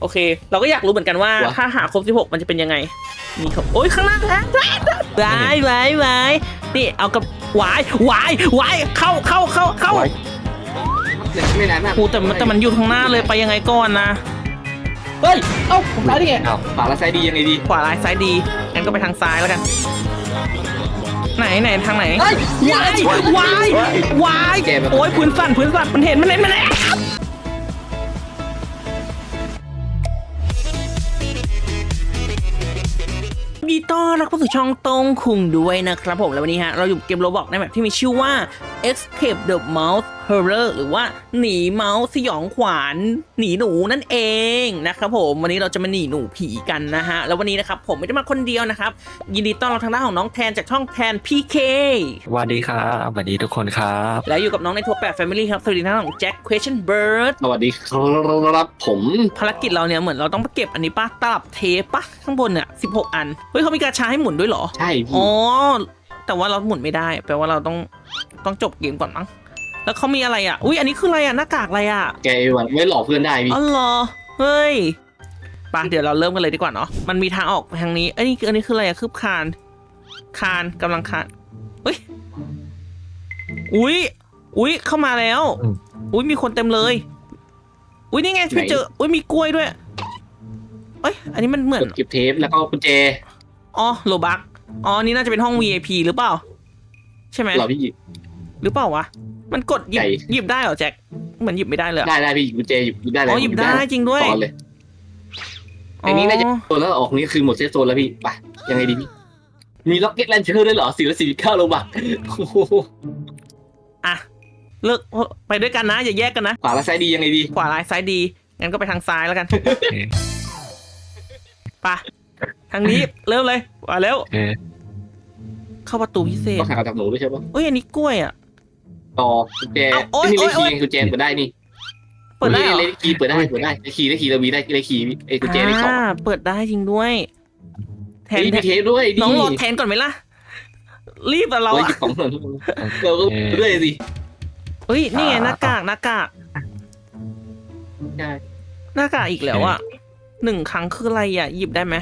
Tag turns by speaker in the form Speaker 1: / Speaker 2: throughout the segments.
Speaker 1: โอเค เราก็อยากรู้เหมือนกันว่าถ้าหาครบ16มันจะเป็นยังไงนี่ครับโอ้ยข้างล่างแล้ววายนี่เอากับวายวายเข้า
Speaker 2: ไม่นานมาก
Speaker 1: กูแต่มันอยู่ข้างหน้าเลยไปยังไงก่อนนะ
Speaker 2: เฮ้ยเอ้าผมร้ายได้ไงขวาและซ้ายดียังไงดี
Speaker 1: ขวาร้ายซ้ายดีงั้นก็ไปทางซ้ายแล้วกันไหนทางไหนวายโอ้ยพื้นสั่นมันเห็นมันดีต้อนรับเข้าสู่ช่องตรงคุงด้วยนะครับผมแล้ววันนี้ฮะเราอยู่เกมโรบล็อกในแบบที่มีชื่อว่า Escape the Mouse Horror หรือว่าหนีเมาส์สยองขวัญหนีหนูนั่นเองนะครับผมวันนี้เราจะมาหนีหนูผีกันนะฮะแล้ววันนี้นะครับผมไม่ได้มาคนเดียวนะครับยินดีต้อนรับทางด้านของน้องแทนจากช่องแทน PK
Speaker 3: สวัสดีครับสวัสดีทุกคนครับ
Speaker 1: แล้วอยู่กับน้องในทัวร์8 Family ครับสวัสดีทางด้านของแจ็ค Question Bird
Speaker 2: สวัสดีครับผม
Speaker 1: ภารกิจเราเนี่ยเหมือนเราต้องไปเก็บอันนี้ป่ะตลับเทปป่ะข้างบนเนี่ย16 อันเฮ้ยเขามีกาชาให้หมุนด้วยเหรอ
Speaker 2: ใช่พี่
Speaker 1: อ๋อแต่ว่าเราหมุนไม่ได้แปลว่าเราต้องจบเกมก่อนมั้งแล้วเขามีอะไรอ่ะอุ้ยอันนี้คืออะไรอ่ะหน้ากากอะไรอ่ะ
Speaker 2: แกวันไม่หลอกเพื่อนได้พี่
Speaker 1: อ๋อเหรอเฮ้ยป่ะเดี๋ยวเราเริ่มกันเลยดีกว่าเนาะมันมีทางออกทางนี้อันนี้คืออะไรอ่ะคืบคานกำลังคานเฮ้ยอุ้ยเข้ามาแล้วอุ้ยมีคนเต็มเลยอุ้ยนี่ไงพี่เจออุ้ยมีกล้วยด้วยเอ้ยอันนี้มันเหมือน
Speaker 2: เก็บเทปแล้วก็กุญแจ
Speaker 1: อ๋อโลบักอ๋อนี่น่าจะเป็นห้อง VIP หรือเปล่าใช่ไหม
Speaker 2: หรอพี่
Speaker 1: หรือเปล่าวะมันกดหยิบได้เหรอแจ็คเหมือนหยิบไม่ได้เลย
Speaker 2: ได้พี่กุญแจหยิบได้เลย
Speaker 1: อ๋อหยิบได้จริงด้วย
Speaker 2: ตอนเลยไอ้นี้น่าจะโซนแล้วออกนี้คือหมดเซตโซนแล้วพี่ไปยังไงดีพี่มีล็อกเก็ตแลนเชอร์ด้วยเหรอ449 โลบัก
Speaker 1: อ่ะเลิกไปด้วยกันนะอย่าแยกกันนะ
Speaker 2: ขวาและซ้ายดียังไงดี
Speaker 1: ขวาร้ายซ้ายดีงั้นก็ไปทางซ้ายแล้วกันไปทางนี้เริ่มเลยมาเร็วเข้าประตูพิเศษ
Speaker 2: ต้องหากับหนูด้วยใช่ปะ
Speaker 1: เอ้ยอันนี้กล้วยอ่ะ
Speaker 2: ต่อกุญแจนี่เลขคีย์กุญแจเปิดได้นี่
Speaker 1: เปิดได้เหรอ
Speaker 2: เลขคีย์เปิดได้เลขคีย์เรามีได้เลขคีย์ไอ้กุญแจเลขสอง
Speaker 1: เปิดได้จริงด้วยแทน
Speaker 2: มีเทปด้วย
Speaker 1: น้องโหลดแทนก่อนไหมล่ะรีบอะเรา
Speaker 2: เรา
Speaker 1: อะ
Speaker 2: หยิบของเราก็ด้วยสิ
Speaker 1: เฮ้ยนี่ไงหน้ากาก
Speaker 2: ใช่
Speaker 1: หน้ากากอีกแล้วอ่ะ1 ครั้งคืออะไรอ่ะหยิบได้ไหม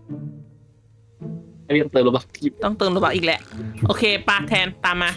Speaker 2: ไอ้พี่เติมโลบัก
Speaker 1: ต้องเติมระบาอีกแหละโอเคปาแทนตามมา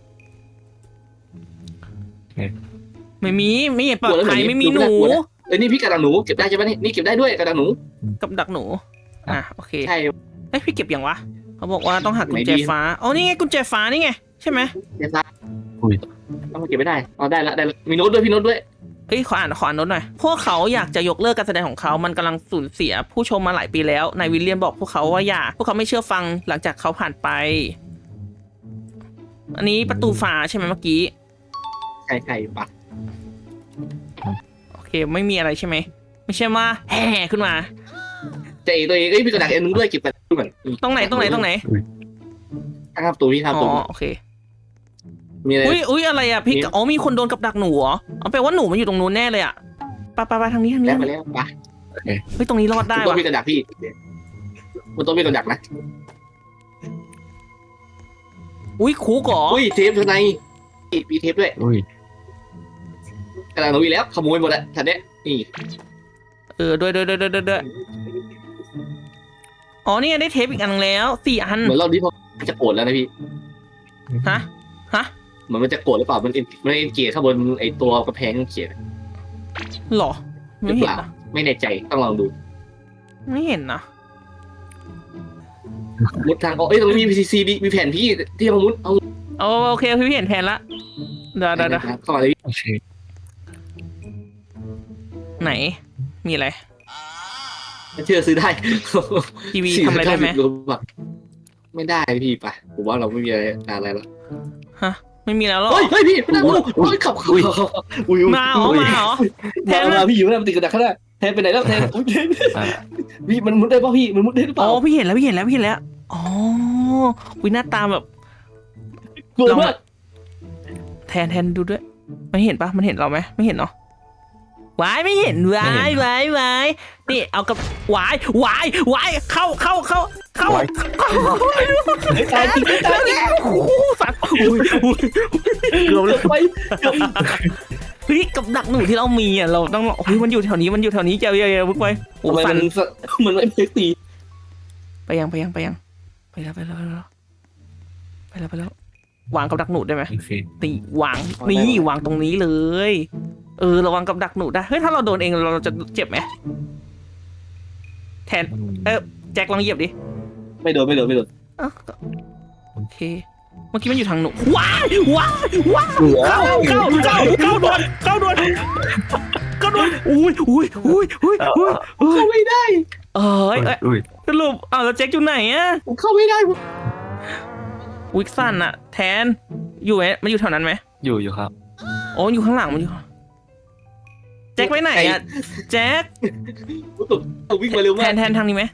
Speaker 1: ไม่เห็นปลอดภัยไม่มีหนู
Speaker 2: เอ้ยนี่พี่กระดังหนูเก็บได้ใช่ไหมนี่เก็บได้ด้วยกระดังหนู
Speaker 1: กับดักหนูอ่ะโอเค
Speaker 2: ใช่
Speaker 1: เอ้ยพี่เก็บยังวะเขาบอกว่าต้องหากุญแจฟ้าอ๋อนี่ไงกุญแจฟ้านี่ไงใช่ไหม
Speaker 2: เก็บได้ต้องมาเก็บไม่ได้อ๋อได้ละมีโน้ตด้วยพี่โน้ตด้วย
Speaker 1: เฮ้ยขออ่านโน้ตหน่อยพวกเขาอยากจะยกเลิกการแสดงของเขามันกำลังสูญเสียผู้ชมมาหลายปีแล้วนายวิลเลียมบอกพวกเขาว่าอย่าพวกเขาไม่เชื่อฟังหลังจากเขาผ่านไปอันนี้ประตูฟ้าใช่ไหมเมื่อกี้
Speaker 2: ใช่ปะ
Speaker 1: โอเคไม่มีอะไรใช่ไหมไม่ใช่ว่าแห่ขึ้นมา
Speaker 2: เจ๊ตัวเองเอ้ยพี่กระดังเอ็นนึงด้วยเก็บไปด้วยเหมือน
Speaker 1: ตรงไหน
Speaker 2: ข้างตัวพี่ข้าง
Speaker 1: อ๋
Speaker 2: ตัว
Speaker 1: อโอเค
Speaker 2: มีอะไร
Speaker 1: อุ้ยอะไรอ่ะพี่อ๋อมีคนโดนกับดักหนูเหรอเอาแปลว่าหนูมันอยู่ตรงนู้นแน่เลยอ่ะไปทางนี้
Speaker 2: แล้วมาแล้วปะ
Speaker 1: เฮ้ยตรงนี้รอดได้
Speaker 2: ตัว
Speaker 1: วะ
Speaker 2: พี่กระดักพี่บนตัวพี่กระดักนะ
Speaker 1: อุ้ยคุกเหรอ
Speaker 2: อุ้ยเทปข้างในมีเทปด้วยกระดังหนูอีกแล้วขโมยหมดแล้วทันเนี้ยนี่
Speaker 1: ด้วยอ๋อนี่ได้เทปอีกอันนึงแล้ว4 อัน
Speaker 2: เหมือนเราที่พอจะโกรธแล้วนะพี่
Speaker 1: ฮะ
Speaker 2: เหมือนมันจะโกรธหรือเปล่ามันเอ็นเกียร์ข้างบนไอ้ตัวกระแพงเขียน
Speaker 1: หรอ
Speaker 2: หรื
Speaker 1: ไม่
Speaker 2: อ
Speaker 1: เห็
Speaker 2: เป
Speaker 1: น
Speaker 2: ล่า
Speaker 1: นะ
Speaker 2: ไม่แน่ใจต้องลองดู
Speaker 1: ไม่เห็นนะ
Speaker 2: มุดทางออกตรงนี้มี PCC มีแผนพี่ที่มามุดเอา
Speaker 1: โอเคพี่เห็นแผนละเดี๋ยว
Speaker 2: เข้ามาเลย
Speaker 1: ไหนมีอะไร
Speaker 2: เชื่อซื้อได้
Speaker 1: ทีวีทำอะไรได้ไหม
Speaker 2: ไม่ได้พี่ปะผมว่าเราไม่มีอะไรแล้ว
Speaker 1: ฮะไม่มีแล้วหรอ
Speaker 2: เฮ้ยพี่ไม่ได้ขับ
Speaker 1: มาเหรอแทน
Speaker 2: มาพี่อยู่แล้วมันติดกระดักข้างหน้าแทนไปไหนแล้วแทนพี่มันมุดได้ป่ะพี่มันมุดได้หรือเป
Speaker 1: อ๋
Speaker 2: ล่า
Speaker 1: อพี่เห็นแล้วอ๋อวิหน้าตาแบบ
Speaker 2: กลัวมาก
Speaker 1: แทนดูด้วยมันเห็นปะมันเห็นเราไหมไม่เห็นเนาะวายไม่เห็นวายนี่เอากับวายเข้า
Speaker 2: ตายจริง
Speaker 1: สัตว์เกือบเลยเฮ้ยกับดักหนูที่เรามีอ่ะเราต้องเฮ้ยมันอยู่แถวนี้มันอยู่แถวนี้เจ้าเย่ๆพึ่งไปโอ้
Speaker 2: ทำไม
Speaker 1: สั
Speaker 2: มัน นมันไม่เพกตี
Speaker 1: ไปยังไปแล้วไปแล้ววางกับดักหนูได้ไหม
Speaker 3: โอเค
Speaker 1: ตีวางนี่วางตรงนี้เลยระวังกับดักหนูได้เฮ้ยถ้าเราโดนเองเราจะเจ็บไหมแทนแจ็คลองเหยียบดิ
Speaker 2: ไม่โดน
Speaker 1: อ้าวโอเคเมื่อกี้มันอยู่ทางหนูว้ายเข้าด่วนอุ้ย
Speaker 2: เข้าไม่ได้
Speaker 3: อุ้ย
Speaker 1: สรุปแล้วแจ็คอยู่ไหนอะ
Speaker 2: ผมเข้าไม่ได้
Speaker 1: วิกซันอะแทนอยู่ไหมมันอยู่แถวนั้นไหม
Speaker 3: อยู่ครับ
Speaker 1: โอ้อยู่ข้างหลังมันอยู่แจ็คไปไหนอะแจ็ค
Speaker 2: วิ่งมาเร็ว
Speaker 1: แท
Speaker 2: มาก
Speaker 1: นทางนี้ไหม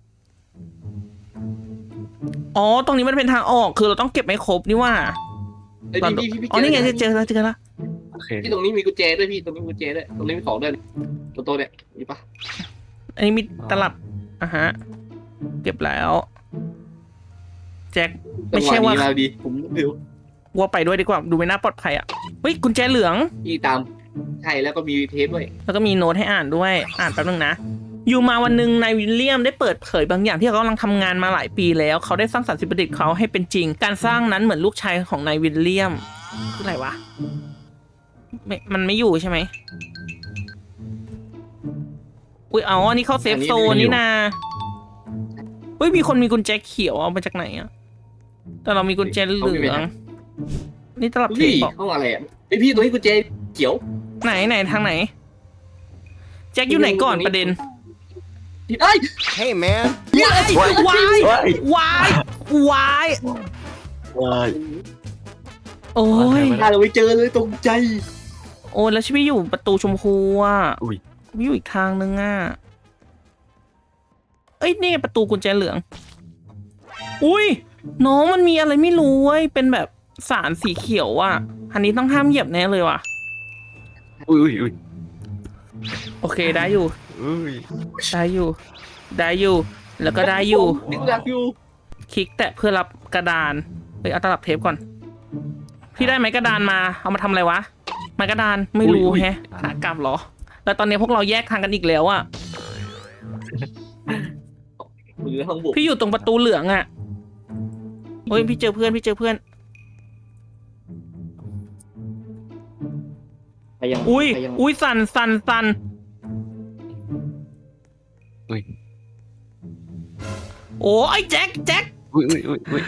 Speaker 1: อ๋อตรงนี้มันเป็นทางออกคือเราต้องเก็บไม่ครบนี่ว่า
Speaker 2: พี่
Speaker 1: อ๋อนี่ไงเจอแล้ว
Speaker 3: โอเค
Speaker 2: พี่ตรงนี้มีกุญแจด้วยพี่ตรงนี้มีกุญแจด้วยตรงนี้มีของด้วยตัวเนี่ยมีปะ
Speaker 1: อันนี้มีตลับฮะเก็บแล้วแจ็คไม่ใช่ว่า
Speaker 2: ดีผมเร็ว
Speaker 1: ว่าไปด้วยดีกว่าดูไม่น่าปลอดภัยอ่ะเฮ้ยกุญแจเหลือง
Speaker 2: พี่ตามใช่แล้วก็มีเทปด้วย
Speaker 1: แล้วก็มีโน้ตให้อ่านด้วยอ่านแป๊บนึงนะอยู่มาวันหนึ่งนายวิลเลียมได้เปิดเผยบางอย่างที่เขากำลังทำงานมาหลายปีแล้วเขาได้สร้างสรรค์สิ่งประดิษฐ์เขาให้เป็นจริง การสร้างนั้นเหมือนลูกชายของนายวิลเลียมคืออะไรวะมันไม่อยู่ใช่ไหมอุ้ยอันนี้เข้าเซฟโซนนี่นาเฮ้ยมีคนมีกุญแจเขียวเอามาจากไหนอะแต่เรามีกุญแจเหลืองนี่ตลับเทป
Speaker 2: พี่
Speaker 1: บอก
Speaker 2: ห้องอะไรอ่ะไอพี่ตรงนี้กุญแจเขียว
Speaker 1: ไหนทางไหนแจ็คอยู่ไหนก่อนประเด็น
Speaker 2: เอ้ย
Speaker 4: Hey, man.
Speaker 1: วายโอ้ย
Speaker 2: ถ้าเราไปเจอเลยตรงใจ
Speaker 1: โอ้ยแล้วชีวิตอยู่ประตูชมพูอ่ะ
Speaker 3: อุ้ย
Speaker 1: วิวอีกทางนึงอ่ะเอ้ยนี่ประตูกุญแจเหลืองอุ้ยน้องมันมีอะไรไม่รู้เว้ยเป็นแบบสารสีเขียวอ่ะอันนี้ต้องห้ามเหยียบแน่เลยว่ะ
Speaker 3: อุ้ย
Speaker 1: โอเคได้อยู่
Speaker 3: อุ้ย
Speaker 1: ได้อยู่แล้วก็ได้อยู่
Speaker 2: นึกรักอยู่
Speaker 1: คลิกแตะเพื่อรับกระดานเฮ้ยเอาตลับเทปก่อนพี่ได้ไหมกระดานมาเอามาทำอะไรวะไม้กระดานไม่รู้แฮะขากลับเหรอแล้วตอนนี้พวกเราแยกทางกันอีกแล้วอ่ะ
Speaker 2: มือห้องบุก
Speaker 1: พี่อยู่ตรงประตูเหลืองอ่ะเฮ้ยพี่เจอเพื่อน
Speaker 2: ไปยัง
Speaker 1: อุ้ยสั่น
Speaker 3: อุ้ย
Speaker 1: โอ้ไอ้แจ็ค
Speaker 3: อุ้ย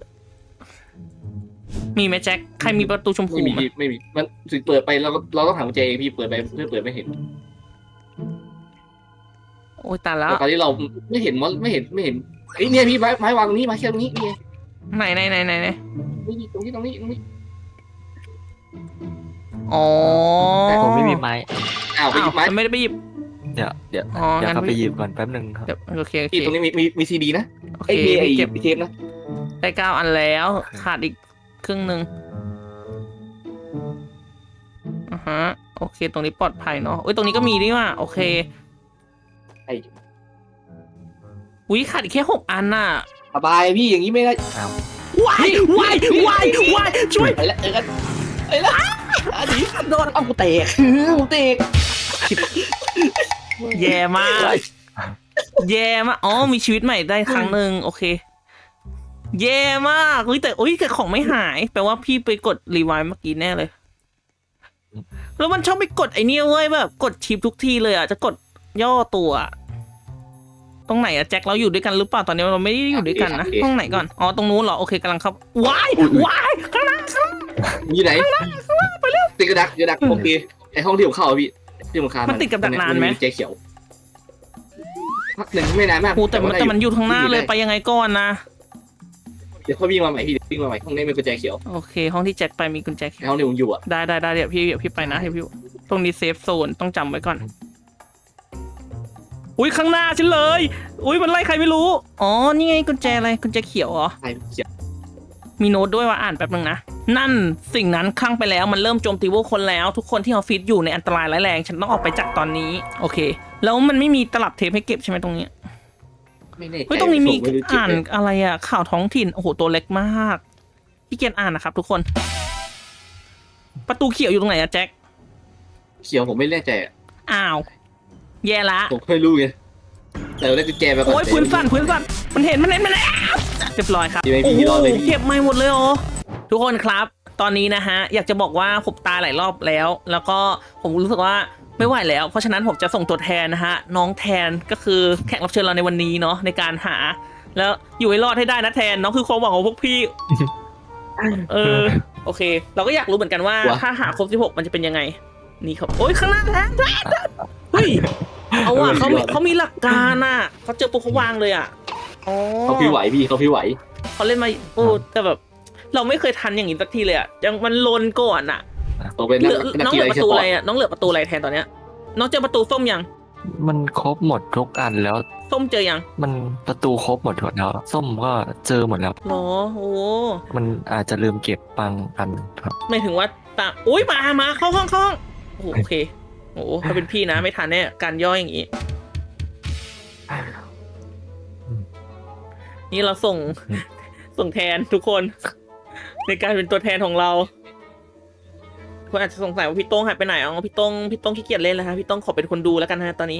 Speaker 1: มีไหมแจ็คใครมีประตูชมพู
Speaker 2: ไม่มี
Speaker 1: ไหม
Speaker 2: ไม่มีมันสิเปิดไปเราต้องหากุญแจเองพี่เปิดไปเพื่อเปิดไม่เห็น
Speaker 1: โอ้ยตายแล้ว
Speaker 2: แต่ตอนนี้เราไม่เห็นไม่เห็นไอ้เนี่ยพี่ไม้วางตรงนี้มาแค่ตรงนี้นี่
Speaker 1: ไหน
Speaker 2: นี่ตรงนี้
Speaker 1: อ๋อ
Speaker 3: แต่ผมไม่มีไม้
Speaker 2: อ้าวไปหยิบไม้
Speaker 1: มันไม่ได้ไปหยิบ
Speaker 3: เดี๋ยว
Speaker 1: อ๋อ
Speaker 3: เข้า
Speaker 1: งั้น
Speaker 3: ไปหยิบก่อนแป๊บนึงครับ
Speaker 1: เดี๋ยวโอเค
Speaker 2: พี่ตรงนี้มีซีดีนะ
Speaker 1: โอเค
Speaker 2: ไอ้พี่ไอ้
Speaker 1: เก็บ
Speaker 2: เทปนะ
Speaker 1: ได้9 อันแล้วขาดอีกครึ่งหนึ่งฮะโอเคตรงนี้ปลอดภัยเนาะเอ้ยตรงนี้ก็มีนี่ว่ะโอเค
Speaker 2: ไอ้
Speaker 1: อุ้ยขาดอีกแค่6 อันน่ะ
Speaker 2: สบายพี่อย่างนี้ไม่ได้
Speaker 1: วายช่วย
Speaker 2: ไปแล้วเจอกันไอ้ละอันนี้โดนเอากูเตะ
Speaker 1: แย่มากอ๋อมีชีวิตใหม่ได้ครั้งหนึ่งโอเคแย่มากเฮ้ยแต่ของไม่หายแปลว่าพี่ไปกดรีไวล์เมื่อกี้แน่เลยแล้วมันชอบไปกดไอ้นี่เว้ยแบบกดชิปทุกทีเลยอ่ะจะกดย่อตัวตรงไหนอะแจ็คเราอยู่ด้วยกันหรือเปล่าตอนนี้เราไม่ได้อยู่ด้วยกันนะห้องไหนก่อนอ๋อตรงนู้นเหรอโอเคกำลังเข้าว้ายข้างหน้า
Speaker 2: อยู่ไหนติดกระดักโอเคไอห้องที่ผมเข้าพี่ที่ผมคาน
Speaker 1: มันติดกับดักนานไหม
Speaker 2: เจ๊เขียวพักหนึ่งไม่นานมาก
Speaker 1: โอ้แต่มันอยู่ข้างหน้าเลยไปยังไงก่อนนะ
Speaker 2: เดี๋ยวเขาวิ่งมาใหม่พี่วิ่งมาใหม่ห้องนี้มีกุญแจเขียว
Speaker 1: โอเคห้องที่แจ็คไปมีกุญแจเขี
Speaker 2: ใน
Speaker 1: ยว
Speaker 2: ห้องที่ผมอยู่อ่ะ
Speaker 1: ได้เดี๋ยวพี่ไปนะเดี๋ยวพี่ตรงนี้เซฟโซนต้องจำไว้ก่อนอุ้ยข้างหน้าฉันเลยอุ้ยมันไล่ใครไม่รู้อ๋อนี่ไงกุญแจอะไรกุญแจเขียวเหรอ
Speaker 2: ใช่เขียว
Speaker 1: มีโน้ตด้วยว่าอ่านแป๊บนึงนะนั่นสิ่งนั้นคลั่งไปแล้วมันเริ่มโจมตีพวกคนแล้วทุกคนที่ออฟฟิศอยู่ในอันตรายร้ายแรงฉันต้องออกไปจากตอนนี้โอเคแล้วมันไม่มีตลับเทปให้เก็บใช่ไหมตรงนี้
Speaker 2: ไม่แน่ใจ
Speaker 1: เฮ้ยตรงนี้มี
Speaker 2: ไรู้จิต
Speaker 1: อ่าน
Speaker 2: เลย
Speaker 1: อะไรอะข่าวท้องถิ่นโอ้โหตัวเล็กมากพี่เกียนอ่านนะครับทุกคน ประตูเขียวอยู่ตรงไหนอะแจ็ค
Speaker 2: เขียวผมไม่แน่ใจอะ
Speaker 1: อ้าว แย่ละ
Speaker 2: ผมไม่รู้ไงแต่เราได้กุญแจไปก่อน
Speaker 1: โอ้ยพื้นสั่นมันเห็นมันแล้วเรียบร้อยครับ
Speaker 2: ดีไหม
Speaker 1: โอ้
Speaker 2: พี่
Speaker 1: โห
Speaker 2: รอดเลยพี่
Speaker 1: เก็บไม่หมดเลยเหรอทุกคนครับ ตอนนี้นะฮะอยากจะบอกว่าผมตายหลายรอบแล้ว แล้วก็ผมรู้สึกว่าไม่ไหวแล้ว เพราะฉะนั้นผมจะส่งตัวแทนนะฮะน้องแทนก็คือแขกรับเชิญเราในวันนี้เนาะในการหา แล้วอยู่ให้รอดให้ได้นะแทนน้องคือความหวังของพวกพี่ โอเค เราก็อยากรู้เหมือนกันว่าถ้าหาครบ16มันจะเป็นยังไงนี่ครับโอ้ยข้างหน้าแทนเฮ้ยเอาอ่ะเขามีหลักการอ่ะเขาเจอปุ๊บเขาวางเลยอ่ะอ๋อ
Speaker 2: เขาพี่ไหวพี่เขาพี่ไหว
Speaker 1: เขาเล่นมาโอ้แต่แบบ เราไม่เคยทันอย่างนี้สักทีเลยอ่ะยังมันลนก่อนอ่ะ
Speaker 2: ผมเป็น
Speaker 1: เหลือ
Speaker 2: นัก
Speaker 1: น้อง
Speaker 2: กี
Speaker 1: เหลื
Speaker 2: ฬา
Speaker 1: อประ
Speaker 2: เชีย
Speaker 1: ตู
Speaker 2: ร์
Speaker 1: อะไรอ่ะน้องเหลือประตูอะไรแทนตอนเนี้ยน้องเจอประตูส้มยัง
Speaker 3: มันครบหมดทุกอันแล้ว
Speaker 1: ส้มเจอยัง
Speaker 3: มันประตูครบหมดแล้ว ส้มก็เจอหมดแล้ว
Speaker 1: หรอโอ้
Speaker 3: มันอาจจะลืมเก็บบางอันครับ
Speaker 1: ไม่ถึงว่าตาอุ้ยมาเข้าห้องโอ้โหโอเคโอ้ถ้าเป็นพี่นะไม่ทันแน่การย่อยอย่างนี้นี่เราส่งแทนทุกคน ในการเป็นตัวแทนของเราคุณอาจจะสงสัยว่าพี่โต้งหายไปไหนอ๋อพี่โต้งขี้เกียจเล่นแล้วฮะพี่โต้งขอเป็นคนดูแล้วกันฮะตอนนี้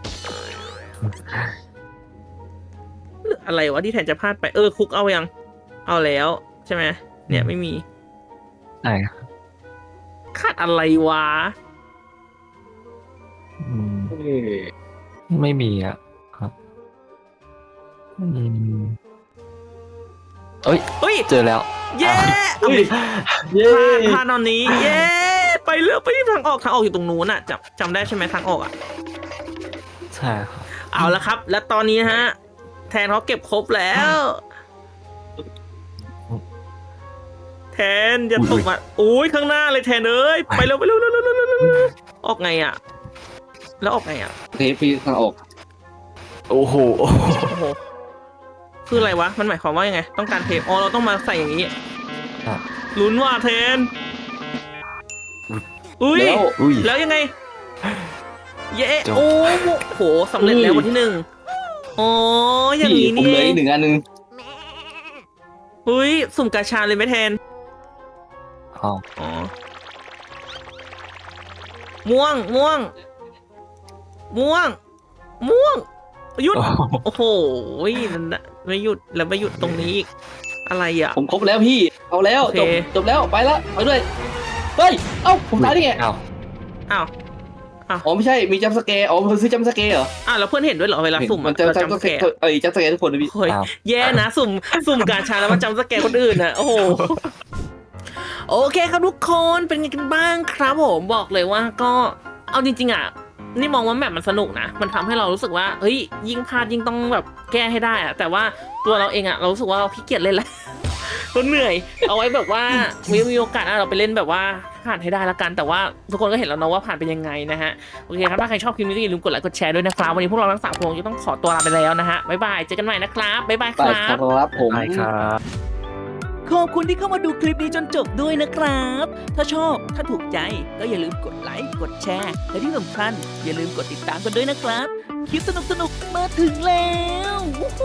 Speaker 1: อะไรวะที่แทนจะพลาดไปคุกเอายังเอาแล้วใช่ไหมเนี่ยไม่มี
Speaker 3: ใช่ครับ
Speaker 1: ขาดอะไรวะ
Speaker 3: อืม
Speaker 2: เอ้ย
Speaker 3: ไม่มีอ่ะครับเอ้ยเจอแล้ว
Speaker 1: เย้เอาดิพลาดตอนนี้ เย้ไปเลือกไปที่ทางออกอยู่ตรงนู้นอ่ะจำได้ใช่ไหมทางออกอ่ะ
Speaker 3: ใช่ครับ
Speaker 1: เอาละครับ แล้วตอนนี้ฮะ แทนเขาเก็บครบแล้ว แทนอย่าตกมาโอ้ยข้างหน้าเลยแทนเอ้ยไปเร็วออกไงอ่ะ แล้วออกไงอ่ะ
Speaker 2: เทปพี่ทางออก
Speaker 3: โอ้โห
Speaker 1: โอ้โหคืออะไรวะมันหมายความว่ายังไง ต้องการเทปเราต้องมาใส่อย่างนี้
Speaker 3: ครับ
Speaker 1: ลุ้นว่าแทนอุ้ย
Speaker 2: แล้ว
Speaker 3: อุ้ย
Speaker 1: แล้วยังไง เย้
Speaker 3: จบ
Speaker 1: โอ้โหสำเร็จแล้ววันที่1อ๋ออย่าง
Speaker 2: พี่
Speaker 1: นี้
Speaker 2: ผม
Speaker 1: นี่
Speaker 2: เหลือ
Speaker 1: เอ
Speaker 2: อี
Speaker 1: ง
Speaker 2: ก1 อันนึง
Speaker 1: อุ้ยสุ่มกาชาเลยไหมแทน
Speaker 3: อ๋อ
Speaker 1: อ๋อม่วงหยุดโอ้โหนั่นน่ะไม่หยุดแล้วไม่หยุดตรงนี้อีกอะไรอ่ะ
Speaker 2: ผมครบแล้วพี่เอาแล้ว
Speaker 1: โอเค
Speaker 2: จบแล้วไปละไปด้วยเฮ้ยเอ้าผมตายได้ไง
Speaker 3: อ้าว
Speaker 1: อ้าว
Speaker 2: อ๋อไม่ใช่มีจัมป์สแกร์อ๋อมันซื้อจัมป์สแกร์เหรอ
Speaker 1: แล้วเพื่อนเห็นด้วยเหรอเวลาสุ่ม
Speaker 2: มันจะ
Speaker 1: เรา
Speaker 2: จัมป์ส
Speaker 1: จำ
Speaker 2: แก
Speaker 1: แก
Speaker 2: ร์จัมป์สแกร์ทุกคนนะพี่
Speaker 1: โอ้ย
Speaker 3: อ้าว
Speaker 1: แย่นะสุ่มกาชาแล้วมาจำสแกนคนอื่นนะโอ้โหโอเคครับทุกคนเป็นไงกันบ้างครับผมบอกเลยว่าก็เอาจริงๆอ่ะนี่มองว่าแมปมันสนุกนะมันทำให้เรารู้สึกว่าเฮ้ยยิ่งพลาดยิ่งต้องแบบแก้ให้ได้อะแต่ว่าตัวเราเองอ่ะเรารู้สึกว่าเราขี้เกียจเล่นแล้ว เราเหนื่อยเอาไว้แบบว่ามีโอกาสเราไปเล่นแบบว่าผ่านให้ได้ละกันแต่ว่าทุกคนก็เห็นแล้วเนาะว่าผ่านเป็นยังไงนะฮะโอเคครับถ้าใครชอบคลิปนี้ก็อย่าลืมกดไลค์กดแชร์ด้วยนะครับวันนี้พวกเราทั้ง3 คนจะต้องขอตัวลาไปแล้วนะฮะบ๊ายบายเจอกันใหม่นะครับบ๊ายบายค
Speaker 2: ไป
Speaker 1: รั
Speaker 2: ครับ บผม
Speaker 3: ใช่ครับ
Speaker 1: ขอบคุณที่เข้ามาดูคลิปนี้จนจบด้วยนะครับ ถ้าชอบถ้าถูกใจก็อย่าลืมกดไลค์กดแชร์และที่สำคัญอย่าลืมกดติดตามกันด้วยนะครับคลิปสนุกๆมาถึงแล้ว